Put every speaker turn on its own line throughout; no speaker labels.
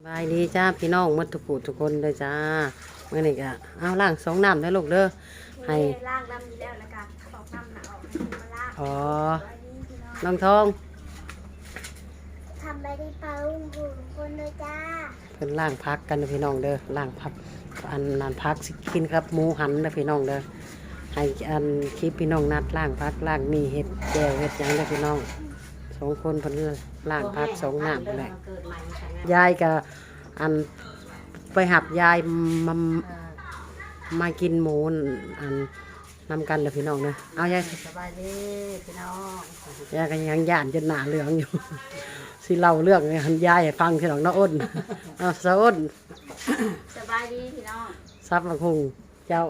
บายดีจ้าพี่น้องหมดทุกผู้ทุกคนเลยจ้าเมื่อนี้ก็เอาล้างสองน้ำได้ลูกเด้อให้
ล่างน้ำอยู่แล้วแล้วก็ตอกน้ำหนาออกมาล่าง
อ๋อน้องทอง
ทำไปได้เปล่าลุงคนเลยจ้า
เพิ่นล้างพักกันนะพี่น้องเด้อล้างพักอันนั้นพักสิกินครับหมูหันนะพี่น้องเด้อให้อันคลิปพี่น้องนัดล้างพักล้างมีเห็ดแก้วเห็ดหยังเด้อพี่น้องสองคนเพิ่นล้างพักสองน้ำแหละยายก็อันไปหับยายมากินหมูอันนำกันเด้อพี่น้องเด้อเอายายสบายดีพี่น้องยายก็ยังย่านจนหน้าเหลืองอยู่ สิเล่าเรื่องให้ยายให้ฟังพี่น้องน้าอ้นเอาสะอ้น
สบายดีพี่น้อง
ซับมาคุงเจ้า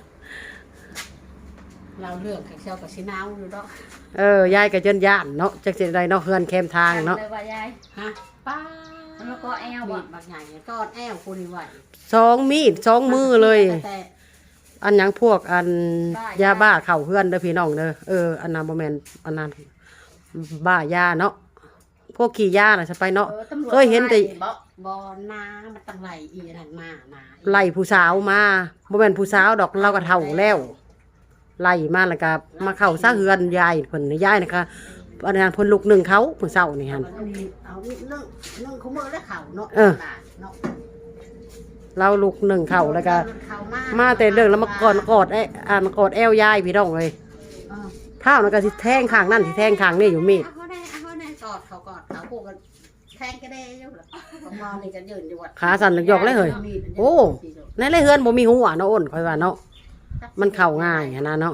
เราเลือกกับเชียวกับชินาวอยู่ดอก
ยายก็จนย่านเนาะจักสิได้เนาะเฮือนแคมทางเนาะ
เลยว่ายาย
ฮะป้า
แล้วก็แอลบ่
บักใหญ่ก้อนแอลคุณไหว
สองมีดสองมือเลยอันยังพวกอันยาบ้าเข่าเฮือนเด้อพี่น้องเด้ออันนั้นบ่แม่นอันนั้นบ้ายาเนาะพวกขี่ยาน่ะจะไปเนาะเคยเห็นแต่
บ่นามันตั้งไหลอีนั่นมา
ไล่ผู้สาวมาบ่แม่นผู้สาวดอกเราก็เฒ่าแล้วไล่มาแล้วก็มาเข้าซะเฮือนยายเพิ่นยายนะคะอันนั้นเพิ่นลูกหนึ่งเขาผู้เฒ่านี่หั่น
เอาเรื่องเขาเมื่อแล้วเขาเนาะ
เราลูกหนึ่งเขาแล้วก็มาแต่เรื่องแล้วมากอดกอดแอวยายพี่น้องเลยเท้านั่นก็สิแทงข้างนั่นสิแทงข้างนี่อยู่มีด
เขาได้กอดเขาคู่กันแทงก็ได้อยู่หรอของมอนี่กันยืนอยู่
ขาสั่นหยอกเลยเฮ้ยโอ้ในไรเฮือนบ่มีหัวเนาะอ้นค่อยว่าเนาะมันเข้าง่ายนะเนาะ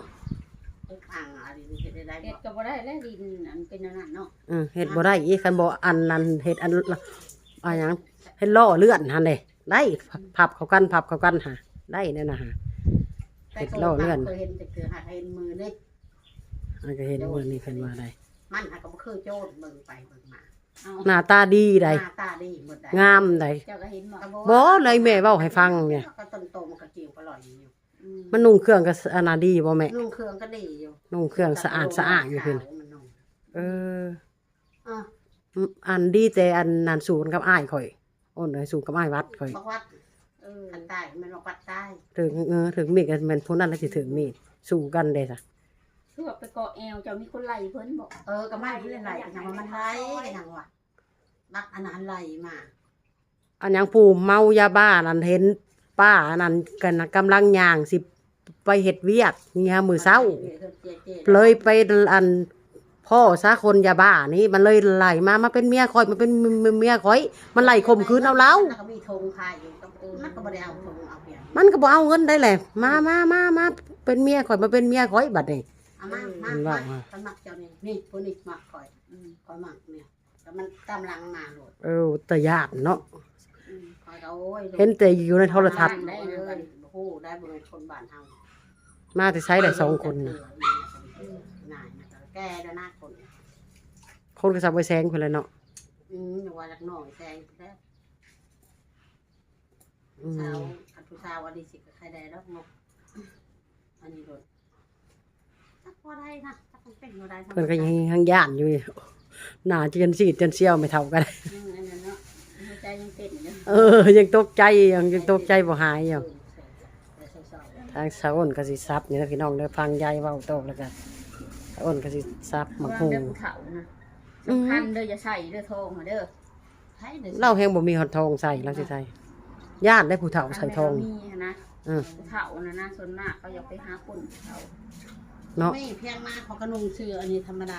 เห็ดก็บ่ได้แล้วดินอันเป็นนั่นเนาะ
เห็ดบ่ได้อีคันบ่อันนั้นเห็ดอันหยังเห็ดล่อเลื่อนหั่นเด้ได้พับเข้ากันหาได้แน่นะฮะเห็ดล่อเลื่อน
เคยเห็นแต่คือหาเห็นมือนี่
ก็เห็นมือนี่เพิ่นว่าได้
มันก็บ่คือโจรเบิ่งไปเบิ่งมา
หน้าตาดีได้
หน้าตาดีหมดได้
งามได้
เจ้าก็เห็น
บ่เลยแม่เว้าให้ฟังเนี่ย
ก็ต้นโตมันก็เกี่ยวอร่อยอยู่
มันนุ่งเครื่องก็อันน่ะดีบ่แม่
นุ่งเครื่องก็ดีอยู่
นุ่งเครื่องสะอาดอยู่เพิ่นอันดีแต่อันนั้นสูนกับอ้ายข่อยอ้นเลยสูนกับอ้ายวัดข่อย
วัดอันใต้มันวัดใต้
ถึงมีดกันแม่นผู้นั้นแล้วสิถึงมีดสู้กันเด้ซะ
คือแบบไปเกาะแอลจะมีคนไล่เพิ่นบอก
ก็ไม่เพิ่นไล่กันยังมันไล่กันยังว่ะบักอันนั้นไล่มา
อันยังผู้เมายาบ้านั่นเห็นป้านั่นกันกำลังย่างสิไปเฮ็ดเวียกเนี่ยมื้อเช้าเลยไปอันพ่อซะคนยาบ้านี่มันเลยไล่มาเป็นเมียข่อยมันเป็นเมียข่อยมันไล่ข่มขืนเอาเรา
ก็มีธงขายอยู่มันก็บ่ได้เอาธงเอาเปลี่ยน
มันก็บ่เอาเงินได้แหละมาเป็นเมียข่อยมาเป็นเมียข่อยบัดนี้
มามันมักเจ้านี่ผู้นี้มักข่อยมักเนี่ยแต่มันกำลังมาโหลด
แต่ญาติเนาะเห็นแต่อยู่ในโทรทัศน์
ได้เลยโอ้ได้บริเวณคนบ้านเฮา
มาแต่ใช้ได้2คนน่ะ
แกแล้วหน้า
คนก็สับไปแซงเพิ่นเลยเนาะ
อย่างว่าลักน้อยแซงแล้วสาวอันผู้สาวอดีตใครได้แล้วงกอันนี้โดนตักพอได้นะตักเป็นพอได้
เพิ่นก็ยังย่านอยู่หน้าจนซีดจนเซี่ยวไม่เท่ากันยังตกใจยังตกใจบ่หายอยู่ทางสาวอ้นก็สิซับนี่นะพี่น้องเด้อฟังยายเว้าโตแล้วก็สาวอ้นก็สิซับมาฮู้
สำคัญเด้ออย่าใส่เด้อทองเด้อ
เราแฮงบ่มีหอดทองใส่แล้วสิใส่ญาติได้ผู้เฒ่าใส่ทอง
มีนะผู้เฒ่านะส่วนมากเขาอยากไปหาคนเฒ่า
เนาะ
ไม่เพียงมากเขาก็นุ่งเสื้ออันนี้ธรรมดา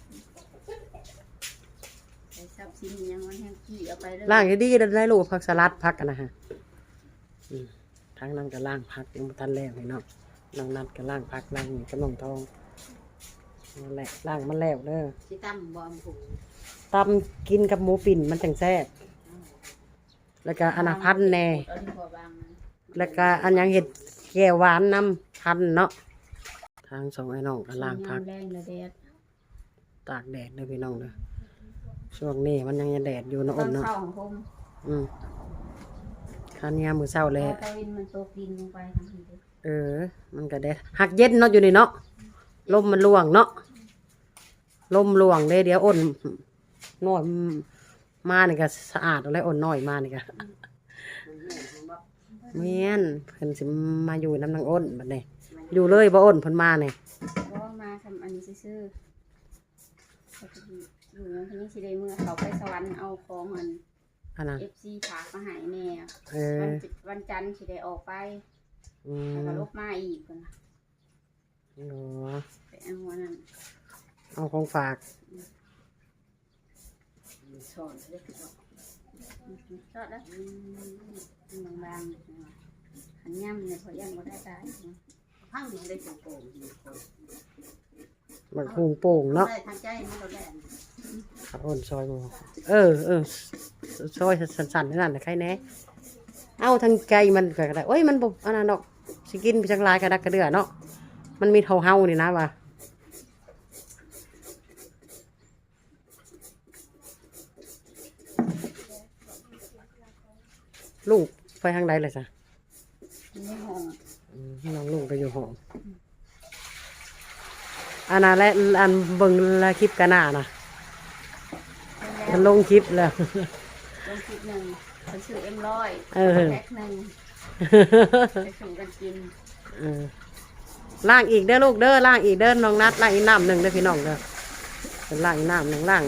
ซับซิมยังมันแห้งขี้เอาไป
ล้างดีๆได้ลูกผักสลัดผักกันนะฮะทั้งนั้นก็ล้างผักยังบ่ทันแล้วพี่น้องน้องนัดก็ล้างผักล้างนี่กับน้องทองนั่นแหละล้างมันแล้วเด้อ
สิตำบ่ผู
ตำกินกับหมูปิ่นมันจังแซ่บแล้วก็อนาพันแน่แล้วก็อันยังเห็ดแก้วหวานน้ำพันเนาะทางสองไอ้น้องก็ล้างผักตากแดดเลยพี่น้องเด้อช่วงนี้มันยังแดดอยู่นะอ้นเนาะคันยามมื้อเช้าเลยมันก็แดดหักเย็นเนาะอยู่นี่เนาะลมมันล่วงเนาะลมล่วงเดี๋ยวอ้นน้อยมานี่ก็สะอาดแล้วอ่อนน้อยมานี่ก็
มันเหี้ยนมันบ่
แม่นเพิ่นสิมาอยู่น้ำนางอ้นบัดนี้อยู่เลยบ่อ้นเพิ่นมานี่
เพราะว่ามาทำอันนี้ซื่อๆเขาจะอยู่ในที่นี้สิได้เมื่อเขาไปสวรรค์เอาของอัน
อันน่ะ
FC ฝากมาให้แม่
เออ
วันจันทร์สิได้ออกไป
อื
แล้วก็
ม
ลบมาอีกเพิ่นน่ะ
อ๋อ
ไปเอาหัวนั่น
เอาของฝาก
สอนเล็กน้อย
ชอดแล้วบางๆหันย่ำเนี่ยพอย่ำบ่ได้ตาย
พังดินได้โป่งๆอยู่คน
บักหุงโป่งเนาะ
ได้ทางใจมันเราได้
ครับอ้นซอยบ่เออซอยสั่นๆนั่นน่ะใครแน่เอาทางไกลมันก็ได้โอ้ยมันบ่อันนั้นดอกสิกินไปจังหลายกระดักกระเดือเนาะมันมีเฮาๆนี่นะว่าลุงไปทางใดเลยจ้ะ
ในห้อง
น้องลุงก็อยู่ห้องอันนั้นและอันเบิ่งละคลิปกันหน้านะมันลงคลิปแล้ว
ลงคลิปหนึ่งเพิ่นซื้อM100
เออ
แพ็คหนึ่งไปสู่กันกิน
เออล่างอีกเด้อลูกเด้อล่างอีกเด้อน้องนัดล่างอีกน้ำหนึ่งเด้อพี่น้องเด้อเป็นล่างอีกน้ำหนึ่งล่าง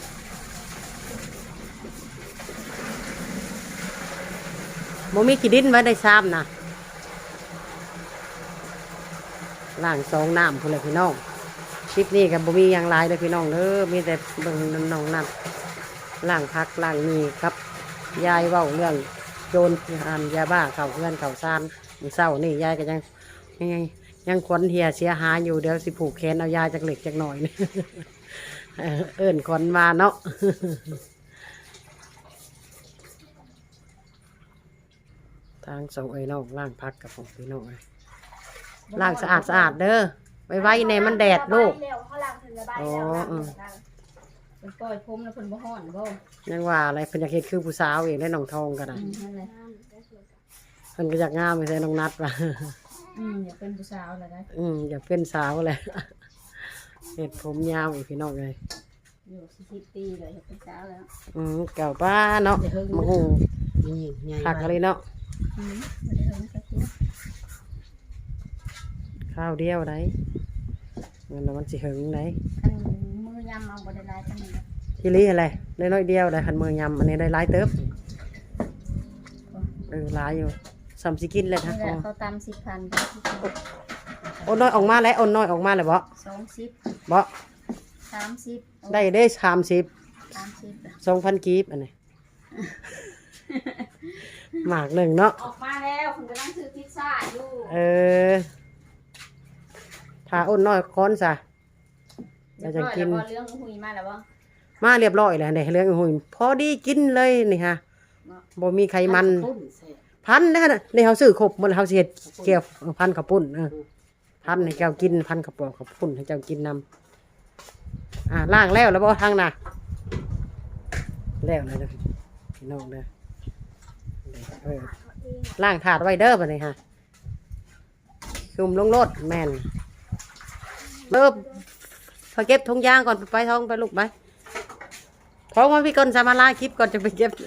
โมมีขี้ดินไว้ได้ซ้ำนะล่างสองน้ำคนเลยพี่น้องคลิปนี้กับโมมีอย่างไรเลยพี่น้องเด้อมีแต่เบิ่งน้องนัดล่างพักล่างมีครับยายเว้าเรื่องโจรอันยาบ้าเข่าเพื่อนเข่าซานมื้อเศร้านี่ยายก็ยังขวัญเหียเสียหายอยู่เดี๋ยวสิผูกแขนเอายาจากเหล็กจากหน่อยนี่ เอิ้นขวัญมาเนาะ ทางสองน้องล่างพักกับของพี่น้องเลยล่างสะอาดเด้อไว้ในมันแดดลูก
เร็วเขาล้างถึงระบาย
อ๋อ
แล้ว
อืม
เพิ่นปล่อยผมแล้วเพิ่นบ่ฮ้อนบ่
ยังว่าอะไรเพิ่นอยากเฮ็ดคือผู้สาวเองได้น้องทองกันนะ
นั่นแหละ
เพิ่นก็อยากงามไปใส่น้องนัดว่ะ
อยากเป็นผู้สาวแล้วได้
อยากเป็นสาวแหละ เฮ็ดผมยาวอีกพี่น้องเลย
อยู่40ปีเลยอยากเป็นสาวแล้ว
เก่าป้าเนาะมาหู
นี่ใหญ่
ผักอะไรเนาะ
บ่ได้เฮิงสักที
ข้าวเดียวได้เงินมันสิหึงได้
คันมือยำเอาบ่ได้หลายปานนี้นะ
ทีนี้อะไรได้น้อยเดียวได้คันมือยำอันนี้ได้หลายเติบหลายอยู่ซ้ำสิกินเลยนะ
นี่แหละเขาตำ10,000ก็
โอนน้อยออกมาแล้วโอนน้อยออกมาเลยบ่
20
บ่
30
ได้30 2,000กีบอันนี้ หมากหนึ่งเนาะ
ออกมาแล้วคุณกำลังซื้อพิซซ่าอยู่
ถ้าโอนน้อยค้อนซะเราจะกิน
แล้วเรื่องหุยมาแล้วบ่
มาเรียบร้อยแล้วเนี่ยเรื่องหุ่นพอดีกินเลยนี่ฮะบ่มีไขมัน
ปุ้นใส่
พันนะในเฮาซื้อครบหมดแล้วเฮาสิเฮ็ดแก้วพันข้าวปุ้นพันให้เจ้ากินพันข้าวปอกข้าวปุ้นให้เจ้ากินนำล้างแล้วบ่ทางน่ะแล้วเลยเด้อพี่น้องเด้อล้างถาดไว้เด้อบัดนี้ฮะคุมลงรถแม่นพอเก็บถุงยางก่อนไปท้องไปลูกไปท้องว่าพี่ก่อนจะมาลาคลิปก่อนจะไปเก็บ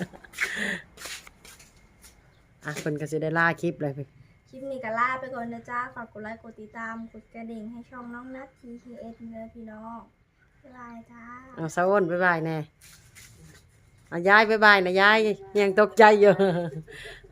เพิ่นก็สิได้ลาคลิปเลย
คลิปนี้ก็ลาไปก่อนนะจ้าฝากกดไลค์กดติดตามกดกระดิ่งให้ช่องน้องนัท TKS เนื้อพี่น้องบ๊ายบายจ้า
สาวอ้นบ๊ายบายแน่ยายบ๊ายบายนะยายยังตกใจอยู่